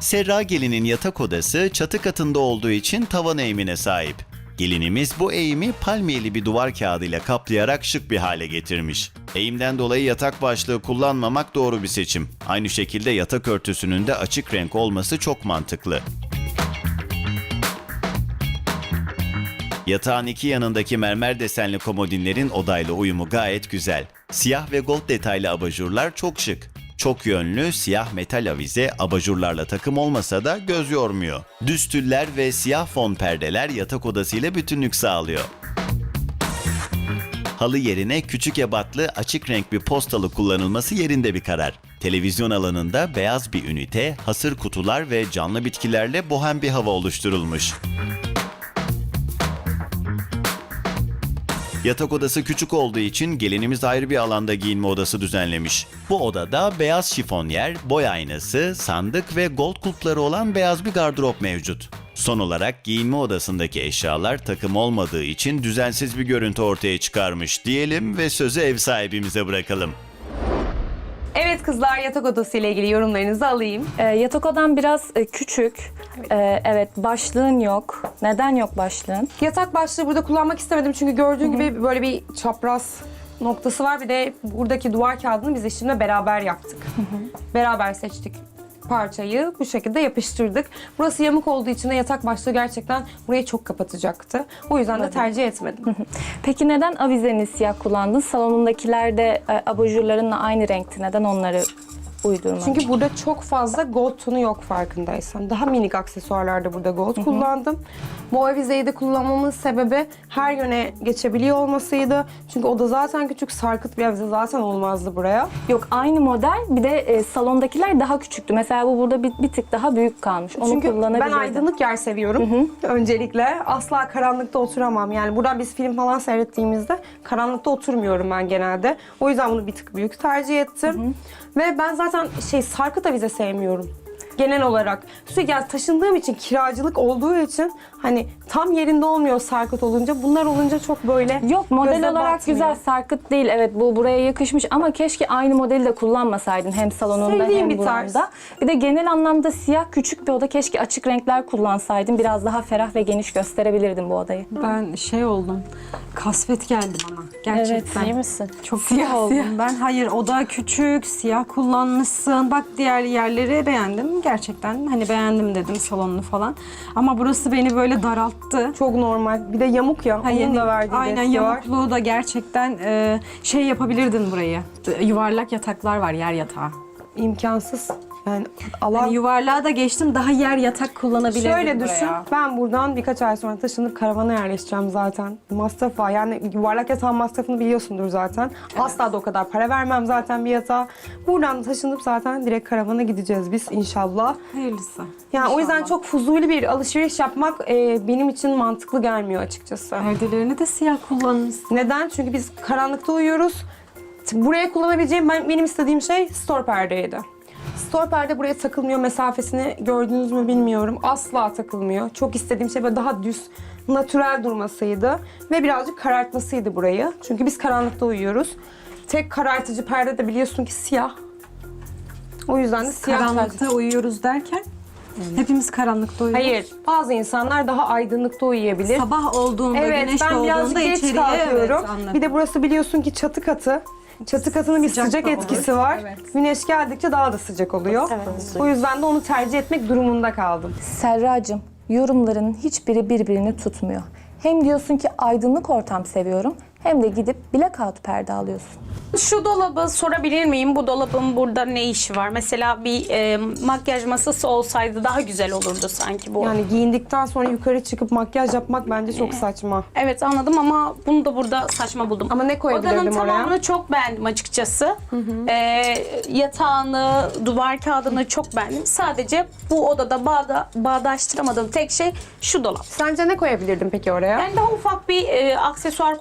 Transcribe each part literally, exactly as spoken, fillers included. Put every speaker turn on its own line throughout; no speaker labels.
Serra gelinin yatak odası çatı katında olduğu için tavan eğimine sahip. Gelinimiz bu eğimi palmiyeli bir duvar kağıdıyla kaplayarak şık bir hale getirmiş. Eğimden dolayı yatak başlığı kullanmamak doğru bir seçim. Aynı şekilde yatak örtüsünün de açık renk olması çok mantıklı. Yatağın iki yanındaki mermer desenli komodinlerin odayla uyumu gayet güzel. Siyah ve gold detaylı abajurlar çok şık. Çok yönlü siyah metal avize abajurlarla takım olmasa da göz yormuyor. Düz tüller ve siyah fon perdeler yatak odasıyla bütünlük sağlıyor. Halı yerine küçük ebatlı açık renk bir postalı kullanılması yerinde bir karar. Televizyon alanında beyaz bir ünite, hasır kutular ve canlı bitkilerle bohem bir hava oluşturulmuş. Yatak odası küçük olduğu için gelinimiz ayrı bir alanda giyinme odası düzenlemiş. Bu odada beyaz şifonyer, boy aynası, sandık ve gold kulpları olan beyaz bir gardırop mevcut. Son olarak giyinme odasındaki eşyalar takım olmadığı için düzensiz bir görüntü ortaya çıkarmış diyelim ve sözü ev sahibimize bırakalım.
Evet kızlar, yatak odası ile ilgili yorumlarınızı alayım.
Ee, yatak odam biraz e, küçük. Evet. Ee, evet, başlığın yok. Neden yok başlığın?
Yatak başlığı burada kullanmak istemedim çünkü gördüğün gibi böyle bir çapraz noktası var. Bir de buradaki duvar kağıdını biz eşimle beraber yaptık. Beraber seçtik parçayı, bu şekilde yapıştırdık. Burası yamuk olduğu için de yatak başlığı gerçekten burayı çok kapatacaktı. O yüzden de tercih etmedim.
Peki neden avizeni siyah kullandın? Salonundakiler de e, abajurlarınla aynı renkti. Neden onları uydurmadın?
Çünkü burada çok fazla gold tonu yok farkındaysan. Daha minik aksesuarlarda burada gold kullandım. Bu avizeyi de kullanmamın sebebi her yöne geçebiliyor olmasıydı. Çünkü o da zaten küçük, sarkıt bir avize zaten olmazdı buraya.
Yok, aynı model. Bir de e, salondakiler daha küçüktü. Mesela bu burada bir, bir tık daha büyük kalmış. Onu
Çünkü ben
kullanabilirdin.
aydınlık yer seviyorum öncelikle. Asla karanlıkta oturamam. Yani buradan biz film falan seyrettiğimizde karanlıkta oturmuyorum ben genelde. O yüzden bunu bir tık büyük tercih ettim. Ve ben zaten şey sarkıt avize sevmiyorum. Genel olarak. Sürekli yani taşındığım için, kiracılık olduğu için hani tam yerinde olmuyor sarkıt olunca. Bunlar olunca çok böyle
Yok, model
göze
olarak
batmıyor.
güzel, sarkıt değil. Evet, bu buraya yakışmış ama keşke aynı modeli de kullanmasaydın hem salonunda
Sevdiğim
hem
bir tarz.
buranda. Bir de genel anlamda siyah küçük bir oda, keşke açık renkler kullansaydın. Biraz daha ferah ve geniş gösterebilirdin bu odayı.
Ben şey oldum, kasvet geldi bana gerçekten.
Evet, iyi misin?
Çok
Siyah,
siyah oldum
siyah.
ben. Hayır, oda küçük, siyah kullanmışsın. Bak diğer yerleri beğendim gerçekten. Hani beğendim dedim salonunu falan. Ama burası beni böyle daralttı.
Çok normal. Bir de yamuk ya.
Hayır,
Onun da verdiği
aynen
etki var.
yamukluğu da gerçekten e, şey yapabilirdin burayı. Yuvarlak yataklar var, yer yatağı.
İmkansız. Yani alan...
Hani yuvarlığa da geçtim, daha yer yatak kullanabilirdin
Şöyle
buraya.
düşün, ben buradan birkaç ay sonra taşınıp karavana yerleşeceğim zaten. Masraf var, yani yuvarlak yatağın masrafını biliyorsundur zaten. Asla da o kadar para vermem zaten bir yatağa. Buradan taşınıp zaten direkt karavana gideceğiz biz inşallah.
Hayırlısı.
Yani o yüzden
İnşallah.
çok fuzuli bir alışveriş yapmak e, benim için mantıklı gelmiyor açıkçası.
Perdelerini de siyah kullanmışsın.
Neden? Çünkü biz karanlıkta uyuyoruz. Buraya kullanabileceğim, ben, benim istediğim şey store perdeydi. Store perde buraya takılmıyor, mesafesini gördünüz mü bilmiyorum. Asla takılmıyor. Çok istediğim şey böyle daha düz, natürel durmasıydı. Ve birazcık karartmasıydı burayı. Çünkü biz karanlıkta uyuyoruz. Tek karartıcı perde de biliyorsun ki siyah. O yüzden de siyah
Karanlıkta
tercih.
uyuyoruz derken hepimiz karanlıkta uyuyoruz.
Hayır, bazı insanlar daha aydınlıkta uyuyabilir.
Sabah olduğunda,
Evet,
güneş
ben birazcık
doğduğunda
geç
içeriye
kalkıyorum.
evet, anladım.
Bir de burası biliyorsun ki çatı katı. Çatı katının bir
Sıcak
sıcak
da olur.
etkisi var.
Evet.
Güneş geldikçe daha da sıcak oluyor.
Evet.
O yüzden de onu tercih etmek durumunda kaldım.
Serracığım, yorumların hiçbiri birbirini tutmuyor. Hem diyorsun ki aydınlık ortam seviyorum, hem de gidip blackout perde alıyorsun.
Şu dolabı sorabilir miyim? Bu dolabın burada ne işi var? Mesela bir e, makyaj masası olsaydı daha güzel olurdu sanki bu.
Yani giyindikten sonra yukarı çıkıp makyaj yapmak bence çok saçma.
Evet anladım ama bunu da burada saçma buldum.
Ama ne koyabilirdim
Odanın
oraya?
tamamını çok beğendim açıkçası. E, yatağını, duvar kağıdını çok beğendim. Sadece bu odada bağda, bağdaştıramadığım tek şey şu dolap.
Sence ne koyabilirdim peki oraya?
Yani daha ufak bir e, aksesuar koyabilirdin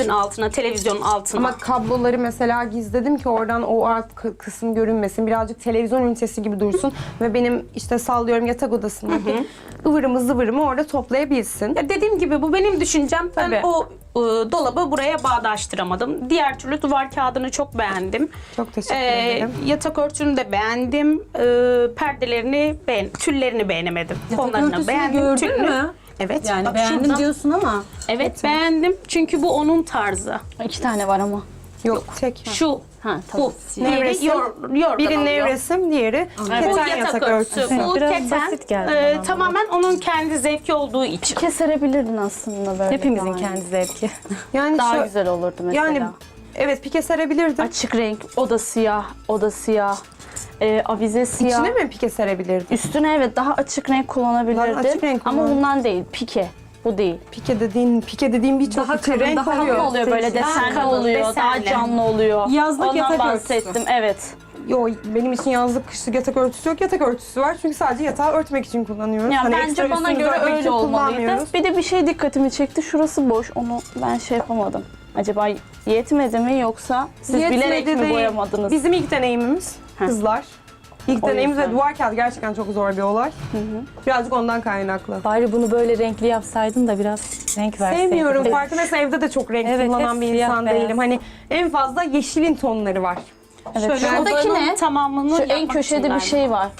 Örtünün altına, televizyonun altına.
Ama kabloları mesela gizledim ki oradan o alt kı- kısım görünmesin. Birazcık televizyon ünitesi gibi dursun ve benim işte sallıyorum yatak odasındaki ıvırımı zıvırımı orada toplayabilsin.
Ya dediğim gibi bu benim düşüncem. Ben
Tabii.
o e, dolabı buraya bağdaştıramadım. Diğer türlü duvar kağıdını çok beğendim.
Çok teşekkür
Ee,
ederim.
Yatak örtünü de beğendim. Ee, perdelerini beğen, tüllerini beğenemedim. Fonlarını
örtüsünü
beğendim.
gördün
tülünü.
mü?
Evet.
Yani
bak
beğendim
şurada.
diyorsun ama.
Evet beğendim. Çünkü bu onun tarzı.
İki tane var ama.
Yok, tek.
Şu,
Ha tamam.
bu. Diğeri
Nevresim.
yor, yorgan
Biri
oluyor.
nevresim, diğeri
Bu
keten
yatak,
yatak
örtüsü.
örtüsü.
Bu
Biraz
keten
basit geldi
e,
bana.
tamamen onun kendi zevki olduğu için.
Keserebilirdin aslında böyle.
Hepimizin
yani.
kendi zevki.
Yani
Daha
şu-
güzel olurdu mesela.
Yani evet pike serebilirdim.
Açık renk, o da siyah, o da siyah. Ee, avize siyah.
İçine mi pike serebilirdim?
Üstüne evet daha açık renk kullanabilirdin.
Daha açık renk
Ama
kullan.
bundan değil, pike. Bu değil.
Pike dediğin, pike dediğin birçok
Daha
içi
kalın,
renk
daha
Daha
oluyor.
oluyor böyle
Daha
desenli
kalın,
oluyor,
desenli.
daha canlı oluyor.
Yazlık
Ondan
yatak
bahsettim,
örtüsü.
evet.
Yo benim için yazlık kışlık yatak örtüsü yok. Yatak örtüsü var çünkü sadece yatağı örtmek için kullanıyoruz.
Ya
Hani
bence
ekstra
bana
üstümüzü
göre
örtmek
öyle
için
olmalıydı.
kullanmıyoruz.
Bir de bir şey dikkatimi çekti. Şurası boş. Onu ben şey yapamadım. Acaba yetmedi mi yoksa siz
Yetmedi
bilerek mi
değil.
boyamadınız?
Bizim ilk deneyimimiz kızlar. İlk
O
deneyimimiz ve
yüzden.
duvar kağıdı gerçekten çok zor bir olay. Birazcık ondan kaynaklı.
Bari bunu böyle renkli yapsaydın da biraz renk verseydin.
Sevmiyorum.
Evet.
Farkındaysa evde de çok renk
Evet,
kullanan
hep
bir
siyah,
insan
beyaz.
değilim. Hani en fazla yeşilin tonları var.
Evet.
Şöyle
Şuradaki
odanın
ne?
tamamını
Şu en
yapmak
köşede
için
bir şey var.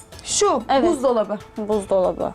Şu
Evet.
buzdolabı.
Buzdolabı.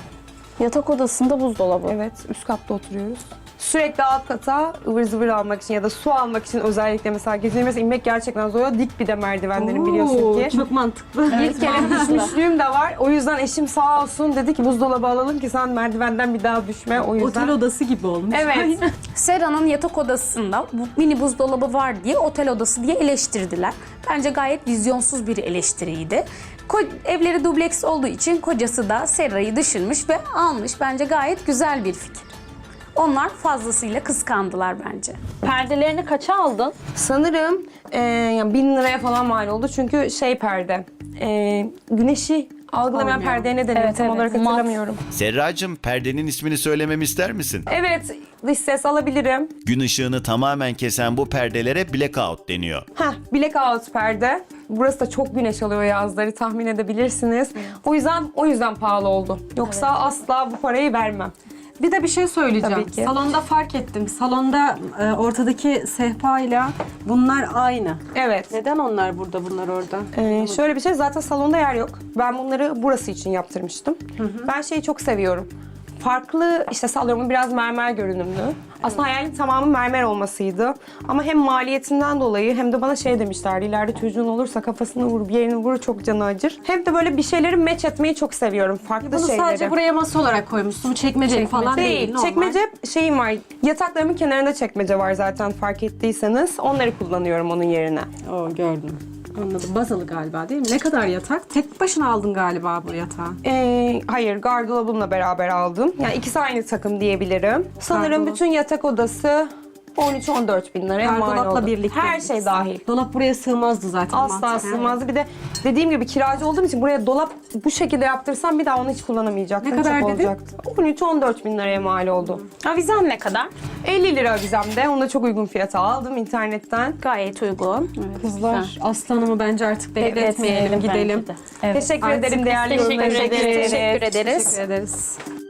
Yatak odasında buzdolabı.
Evet, üst katta oturuyoruz. Sürekli alt kata ıvır zıvır almak için ya da su almak için özellikle mesela gece mesela inmek gerçekten zor. Dik bir de merdivenlerin biliyorsun ki.
Çok mantıklı.
Bir kere düşmüşlüğüm de var. O yüzden eşim sağ olsun dedi ki buzdolabı alalım ki sen merdivenden bir daha düşme. O yüzden.
Otel odası gibi olmuş.
Evet.
Sera'nın yatak odasında bu mini buzdolabı var diye otel odası diye eleştirdiler. Bence gayet vizyonsuz bir eleştiriydi. Ko- evleri dubleks olduğu için kocası da Sera'yı düşünmüş ve almış. Bence gayet güzel bir fikir. Onlar fazlasıyla kıskandılar bence.
Perdelerini kaça aldın?
Sanırım e, yani bin liraya falan mal oldu. Çünkü şey perde. E, güneşi algılamayan perdeye ne deniyor
Evet,
tam
evet.
olarak
Mat.
hatırlamıyorum.
Serracığım, perdenin ismini söylememi ister misin?
Evet, dış ses alabilirim.
Gün ışığını tamamen kesen bu perdelere blackout deniyor.
Heh, blackout perde. Burası da çok güneş alıyor yazları tahmin edebilirsiniz. O yüzden o yüzden pahalı oldu. Yoksa asla bu parayı vermem.
Bir de bir şey söyleyeceğim.
Tabii ki.
Salonda fark ettim. Salonda e, ortadaki sehpayla bunlar aynı.
Evet.
Neden onlar burada, bunlar orada?
Ee, şöyle bir şey, zaten salonda yer yok. Ben bunları burası için yaptırmıştım. Ben şeyi çok seviyorum. Farklı, işte sallıyorum biraz mermer görünümlü. Aslında hayalim tamamı mermer olmasıydı. Ama hem maliyetinden dolayı hem de bana şey demişlerdi. İleride çocuğun olursa kafasını vur, bir yerini vur çok canı acır. Hem de böyle bir şeyleri match etmeyi çok seviyorum. Farklı
Bunu
şeyleri.
sadece buraya masa olarak koymuşsun. Çekmece falan değil.
Değil,
normal.
çekmece şeyim var. Yataklarımın kenarında çekmece var zaten fark ettiyseniz. Onları kullanıyorum onun yerine.
Oo, gördüm. Anladım. Bazalı galiba değil mi? Ne kadar yatak? Tek başına aldın galiba bu yatağı.
Ee, hayır, gardırobumla beraber aldım. Yani ikisi aynı takım diyebilirim. Sanırım
Gardırop.
bütün yatak odası on üç on dört bin liraya mal
Gardıropla
oldu.
birlikte.
Her şey dahil.
Dolap buraya sığmazdı zaten.
Asla
mantıken.
sığmazdı. Bir de dediğim gibi kiracı olduğum için buraya dolap bu şekilde yaptırsam bir daha onu hiç kullanamayacaktım.
Ne kadar
Çöp
dedin?
olacaktı. on üç on dört bin liraya mal oldu.
Avizen ne kadar?
elli lira vizemde. Onu da çok uygun fiyata aldım internetten.
Gayet uygun.
Kızlar, aslanımı bence artık bekletmeyelim,
Bekletmeyelim
gidelim.
bence de.
Teşekkür
Artık
ederim değerli
teşekkür
yorumlarınız
ederiz.
için.
Teşekkür ederiz.
Teşekkür ederiz.